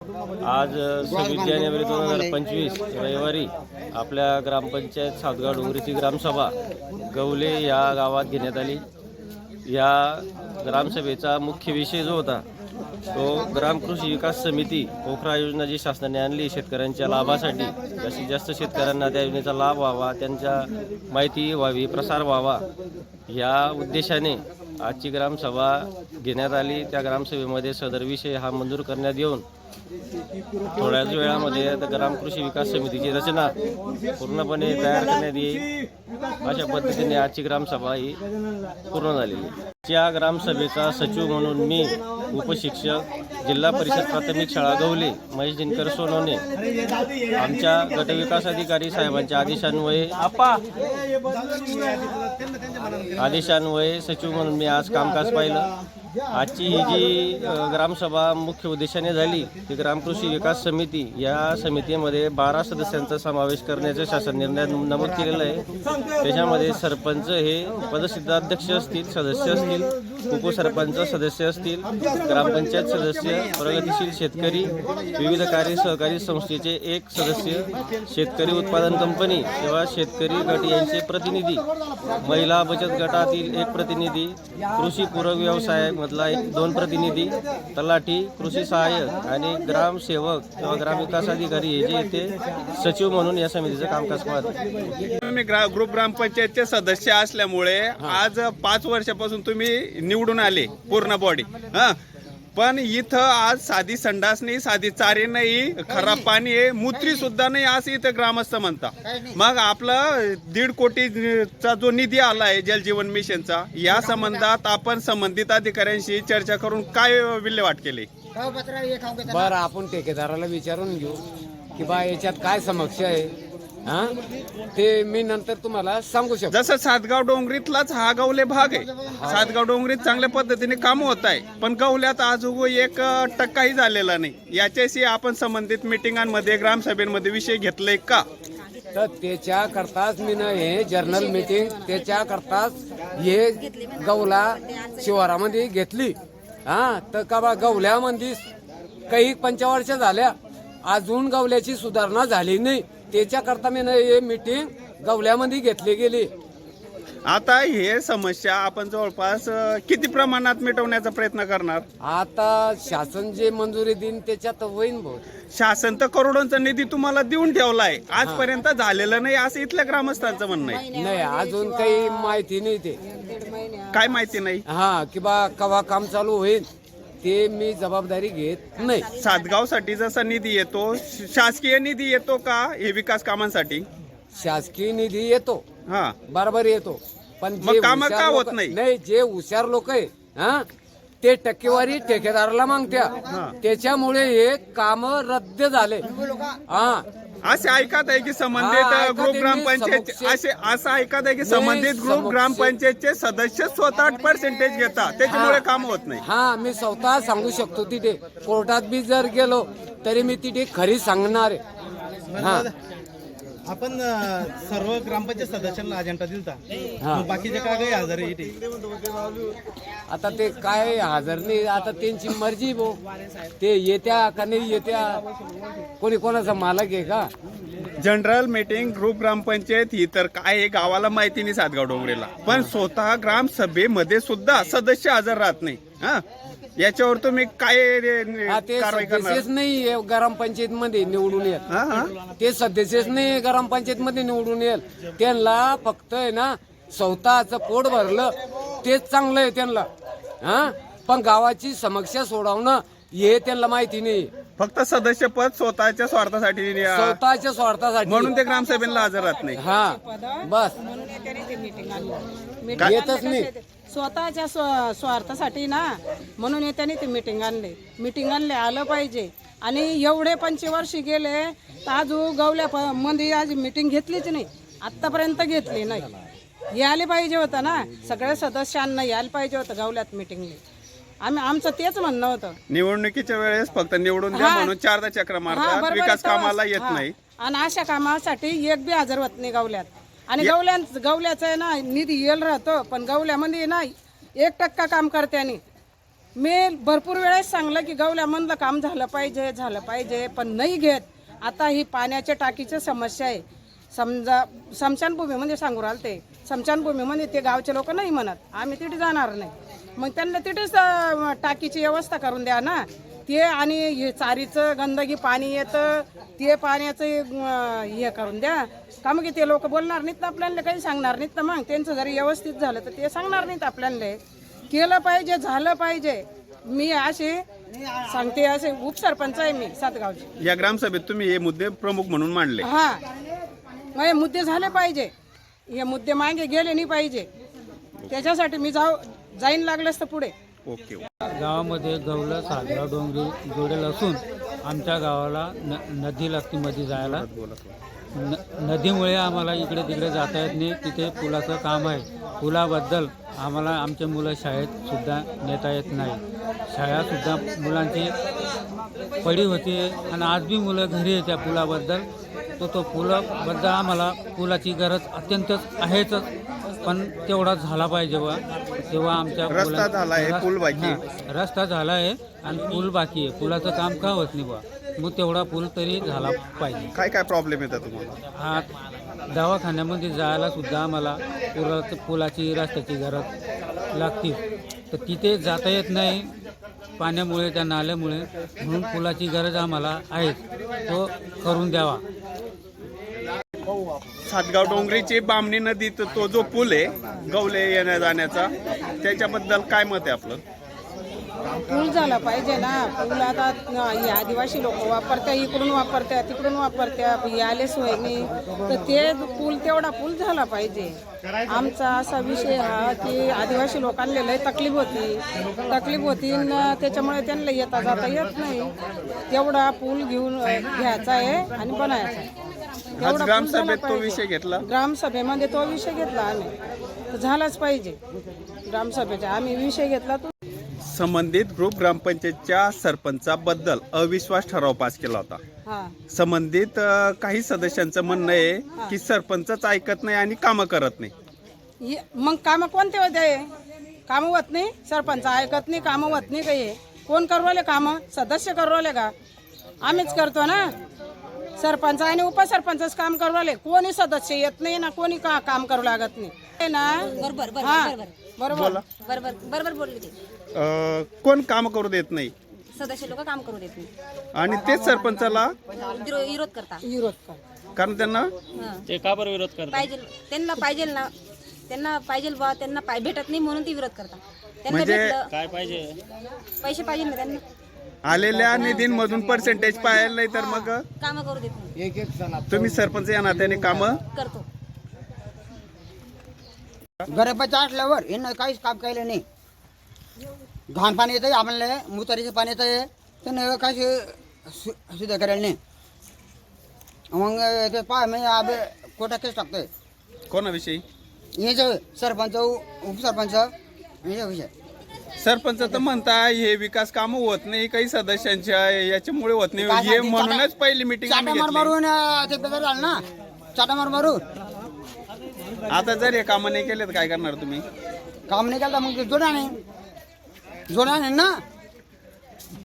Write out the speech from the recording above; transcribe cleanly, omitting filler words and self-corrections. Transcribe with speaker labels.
Speaker 1: आज 26 जानेवारी 2025 रविवारी आपल्या ग्रामपंचायत सातगाव डोंगरीची ग्रामसभा गवले या गावात घेण्यात आली। या ग्रामसभेचा मुख्य विषय जो होता तो ग्राम कृषी विकास समिती पोखरा योजना जी शासनाने आणली शेतकऱ्यांच्या लाभासाठी, जास्तीत जास्त शेतकऱ्यांना त्या योजनेचा लाभ व्हावा, त्यांच्या माहिती व्हावी, प्रसार व्हावा या उद्देशाने आजची ग्रामसभा घेण्यात आली। त्या ग्रामसभेमध्ये सदर विषय हा मंजूर करण्यात येऊन थोड्याच वेळामध्ये ग्राम कृषी विकास समितीची रचना पूर्णपणे तयार करण्यात येईल। अशा पद्धतीने आजची ग्रामसभा ही पूर्ण झालेली। या ग्रामसभेचा सचिव म्हणून मी उपशिक्षक जिल्हा परिषद प्राथमिक शाळा गवले महेश दिनकर सोनवणे आमच्या गटविकास अधिकारी साहेबांच्या आदेशान्वये सचिव म्हणून मी आज कामकाज पाहिलं। आजची ही जी ग्रामसभा मुख्य उद्देशाने झाली ती ग्राम कृषी विकास समिती या समितीमध्ये 12 सदस्यांचा समावेश करण्याचं शासन निर्णयात नमूद केलेलं आहे। त्याच्यामध्ये सरपंच हे पदसिद्ध अध्यक्ष असतील, सदस्य असतील, उपसरपंच सदस्य असतील, ग्रामपंचायत सदस्य, प्रगतिशील शेतकरी, विविध कार्य सहकारी संस्थेचे एक सदस्य, शेतकरी उत्पादन कंपनी किंवा शेतकरी गट यांचे प्रतिनिधी, महिला बचत गटातील एक प्रतिनिधी, कृषी पूरक व्यवसाय मधला 2 प्रतिनिधी, तलाठी, कृषी सहाय्यक आणि ग्रामसेवक किंवा ग्रामविकास अधिकारी हे जे ते सचिव म्हणून या समितीचं कामकाज पाहतात।
Speaker 2: मी ग्रुप ग्रामपंचायतचे सदस्य असल्यामुळे आज 5 वर्षापासून तुम्ही निवडून आले पूर्ण बॉडी पण इथं आज साधी संडास नाही, साधी चारी नाही, खराब पाणी आहे, मूत्री सुद्धा नाही असं इथं ग्रामस्थ म्हणता। मग आपला 1.5 कोटीचा जो निधी आला आहे जल जीवन मिशनचा या संबंधात आपण संबंधित अधिकाऱ्यांशी चर्चा करून काय विल्हेवाट केली?
Speaker 3: बरं, आपण ठेकेदाराला विचारून घेऊ की बा याच्यात काय समस्या आहे ते मी नंतर तुम्हाला सांगू शकतो।
Speaker 2: जसं सातगाव डोंगरीतलाच हा गवले भाग आहे, सातगाव डोंगरीत चांगल्या पद्धतीने काम होत आहे पण गवल्यात आज 1% झालेला नाही। याच्याशी आपण संबंधित मिटिंगांमध्ये ग्रामसभेमध्ये विषय घेतलाय का?
Speaker 3: तर त्याच्या करताच मी हे जर्नल मीटिंग त्याच्या करताच हे गवला शिवारामध्ये घेतली। तर का बा गवल्यामध्ये काही 25 झाल्या अजून गवल्याची सुधारणा झाली नाही, त्याच्या करता मी हे मीटिंग गवल्यामध्ये घेतली गेली।
Speaker 2: आता हे समस्या आपण जवळपास किती प्रमाणात मिटवण्याचा प्रयत्न करणार?
Speaker 3: आता शासन जे मंजुरी देईन त्याच्यात होईन भाऊ।
Speaker 2: शासन तर करोडोंचा निधी तुम्हाला देऊन ठेवलाय, आजपर्यंत झालेलं नाही असं इथल्या ग्रामस्थांचं म्हणणं आहे।
Speaker 3: नाही, अजून काही माहिती नाही। ते
Speaker 2: काय माहिती नाही?
Speaker 3: की बा केव्हा काम चालू होईल ते मी जबाबदारी घेत नाही।
Speaker 2: सातगावसाठी जसा निधी येतो शासकीय निधी येतो का हे विकास कामांसाठी?
Speaker 3: शासकीय निधी येतो, बरोबर येतो, पण जे
Speaker 2: काम का होत
Speaker 3: नाही जे हुशार लोक आहे ते टक्केवारी ठेकेदाराला मागत्या, त्याच्यामुळे हे काम रद्द झाले।
Speaker 2: असे ऐकत आहे की संबंधित ग्रुप ग्रामपंचायत असं ऐकत आहे की संबंधित ग्रुप ग्रामपंचायतचे सदस्य स्वतः % घेतात, त्याच्यामुळे काम होत नाही।
Speaker 3: मी स्वतः सांगू शकतो, तिथे कोर्टात बी जर गेलो तरी मी तिथे खरी सांगणार आहे।
Speaker 4: आपण सर्व ग्रामपंचायत सदस्यांना अजेंडा दिलता, बाकीचे काय काही हजर आहे इथे?
Speaker 3: आता ते काय हजर नाही, आता त्यांची मर्जी भो, ते येत्या का नाही येत्या, कोणी कोणाचा मालक आहे का?
Speaker 2: जनरल मीटिंग ग्रुप ग्रामपंचायत ही तर काय गावाला माहिती नाही सातगाव डोंगरीला, पण स्वतः ग्रामसभेमध्ये सुद्धा सदस्य हजर राहत नाही। याच्यावर तुम्ही काय कारवाई करणार?
Speaker 3: नाही ग्रामपंचायत मध्ये निवडून येत, ते सदस्यच नाही ग्रामपंचायत मध्ये निवडून येईल, त्यांना फक्त आहे ना स्वतःचं पोट भरलं तेच चांगलं आहे त्यांना। पण गावाची समस्या सोडवणं हे त्यांना माहिती नाही,
Speaker 2: फक्त सदस्य पद स्वतःच्या स्वार्थासाठी म्हणून ते ग्रामसभेला हजर राहत नाही।
Speaker 3: बस येतच नाही,
Speaker 5: स्वतःच्या स्वार्थासाठी ना, म्हणून येत्याने ते मीटिंग आणले आलं पाहिजे। आणि एवढे 25 वर्ष गेले तर आज गवल्या मध्ये आज मीटिंग घेतलीच नाही, आतापर्यंत घेतली नाही। यायला पाहिजे होतं ना, सगळ्या सदस्यांना यायला पाहिजे होतं गवल्यात मीटिंगला। आमचं तेच म्हणणं होतं।
Speaker 2: निवडणुकीच्या वेळेस फक्त निवडून द्या म्हणून 4दा चक्र मारतात, विकास कामाला येत नाही,
Speaker 5: आणि अशा कामासाठी एक बी हजर होत नाही गवल्यात। आणि गवल्याचं आहे ना निधी येल राहतो, पण गवल्यामध्ये ना 1% काम करते आणि मी भरपूर वेळेस सांगलं की गवल्यामधलं काम झालं पाहिजे पण नाही घेत. आता ही पाण्याच्या टाकीची समस्या आहे. समजा स्मशानभूमीमध्ये सांगू राहिले ते स्मशानभूमीमध्ये ते गावचे लोक नाही म्हणत आम्ही तिथे जाणार नाही. मग त्यांना तिथेच टाकीची व्यवस्था करून द्या ना. ते आणि हे चारीचं गंदगी पाणी येतं ते पाण्याचं हे करून द्या का. मग ते लोक बोलणार नाहीत ना आपल्याला, काही सांगणार नाहीत ना. मग त्यांचं जरी व्यवस्थित झालं तर ते सांगणार नाहीत आपल्याला. केलं पाहिजे झालं पाहिजे. मी असे सांगते, असे उपसरपंच आहे मी सातगावची.
Speaker 2: या ग्रामसभेत तुम्ही हे मुद्दे प्रमुख म्हणून मांडले.
Speaker 5: हा मग हे मुद्दे झाले पाहिजे. हे मुद्दे मागे गेले नाही पाहिजे. त्याच्यासाठी मी जाईन लागलंच तर पुढे.
Speaker 2: ओके.
Speaker 6: गावामध्ये गवलं सातगाव डोंगरी जोडेल असून आमच्या गावाला नदी लागते मध्ये जायला. नदीमुळे आम्हाला इकडे तिकडे जाता येत नाही. तिथे पुलाचं काम आहे. पुलाबद्दल आम्हाला आमचे मुलं शाळेत सुद्धा नेता येत नाही. शाळासुद्धा मुलांची पडी होती आणि आज बी मुलं घरी आहे त्या पुलाबद्दल. तो पुलाबद्दल आम्हाला पुलाची गरज अत्यंतच आहेच, पण तेवढा झाला पाहिजे बा. तेव्हा आमच्या
Speaker 2: रस्ता झाला आहे, पूल बाकी आहे.
Speaker 6: रस्ता झाला आहे आणि पूल बाकी आहे. पुलाचं काम का होत नाही बा. मग तेवढा पूल तरी झाला पाहिजे.
Speaker 2: काय काय प्रॉब्लेम येतात तुम्हाला?
Speaker 6: हा दवाखान्यामध्ये जायला सुद्धा आम्हाला पुलाची रस्त्याची गरज लागते. तर तिथे जाता येत नाही पाण्यामुळे, त्या नाल्यामुळे. म्हणून पुलाची गरज आम्हाला आहे, तो करून द्यावा.
Speaker 2: सातगाव डोंगरीची बामणी नदीत तो जो पूल आहे गवले येण्या जाण्याचा, त्याच्याबद्दल काय मत आहे आपलं?
Speaker 5: पूल झाला पाहिजे ना. पूल आता हे आदिवासी लोक वापरत्या, इकडून वापरत्या तिकडून वापरत्या, हे आले सोयनी तर ते पूल तेवढा पूल झाला पाहिजे. आमचा असा विषय हा की आदिवासी लोकांना लय तकलीफ होती न त्याच्यामुळे त्यांना येता जाता येत नाही. तेवढा पूल घ्यायचा आहे आणि बनायचा आहे.
Speaker 2: आज ग्रामसभेत तो विषय घेतला.
Speaker 5: ग्रामसभेमध्ये तो विषय घेतला आम्ही, तर झालाच पाहिजे. ग्रामसभेचा आम्ही विषय घेतला. तो
Speaker 2: संबंधित ग्रुप ग्रामपंचायतच्या सरपंचाबद्दल अविश्वास ठराव पास केला होता.
Speaker 5: हा
Speaker 2: संबंधित काही सदस्यांचं म्हणणं आहे की सरपंचच ऐकत नाही आणि कामं करत नाही.
Speaker 5: मग कामं कोणते होते? कामं होत नाही. सरपंच ऐकत नाही, कामं होत नाही. काही कोण करवले कामं? सदस्य करवले का? आम्हीच करतो ना. सरपंच आणि उपसरपंचच काम करवले. कोणी सदस्य येत नाही ना, कोणी काम करू लागत नाही ना.
Speaker 7: बरोबर बोलले ते.
Speaker 2: कोण काम करू देत नाही?
Speaker 7: सदस्य लोक काम करू देत नाही
Speaker 2: आणि तेच सरपंचाला
Speaker 7: विरोध करतात.
Speaker 2: कारण त्यांना
Speaker 1: ते का बरं विरोध करतात?
Speaker 7: पाहिजे त्यांना पाहिजे बा, त्यांना भेटत नाही म्हणून ती विरोध करतात. त्यांना
Speaker 2: म्हणजे
Speaker 7: भेटलं
Speaker 1: काय पाहिजे?
Speaker 7: पैसे पाहिजे ना त्यांना,
Speaker 2: आलेल्या निधींमधून पर्सेंटेज पाहायला नाही तर मग
Speaker 7: काम करू देत नाही.
Speaker 2: तुम्ही सरपंच या नात्याने कामं
Speaker 7: करतो.
Speaker 8: गरीबाच्या असल्यावर यांना काहीच काम केलं नाही. घाण पाणी येतं आम्हाला, मुतारीचं पाणी येतं, त्यानं काही सुद्धा करायला नाही. मग ते पाय मी आबे कोटा केस टाकतोय.
Speaker 2: कोणाविषयी?
Speaker 8: हे जे सरपंच उपसरपंच हे विषय.
Speaker 2: सरपंच तर म्हणताय हे विकास कामं होत नाही काही सदस्यांच्या, याच्यामुळे होत नाही. हे म्हणूनच पहिली मिटिंग
Speaker 8: चाटामार मारून ते बेकार झालं ना, चाटामार मारून.
Speaker 2: आता जर हे कामं नाही केले तर काय करणार तुम्ही?
Speaker 8: काम नाही केलं तर मग जोडा नाही ना.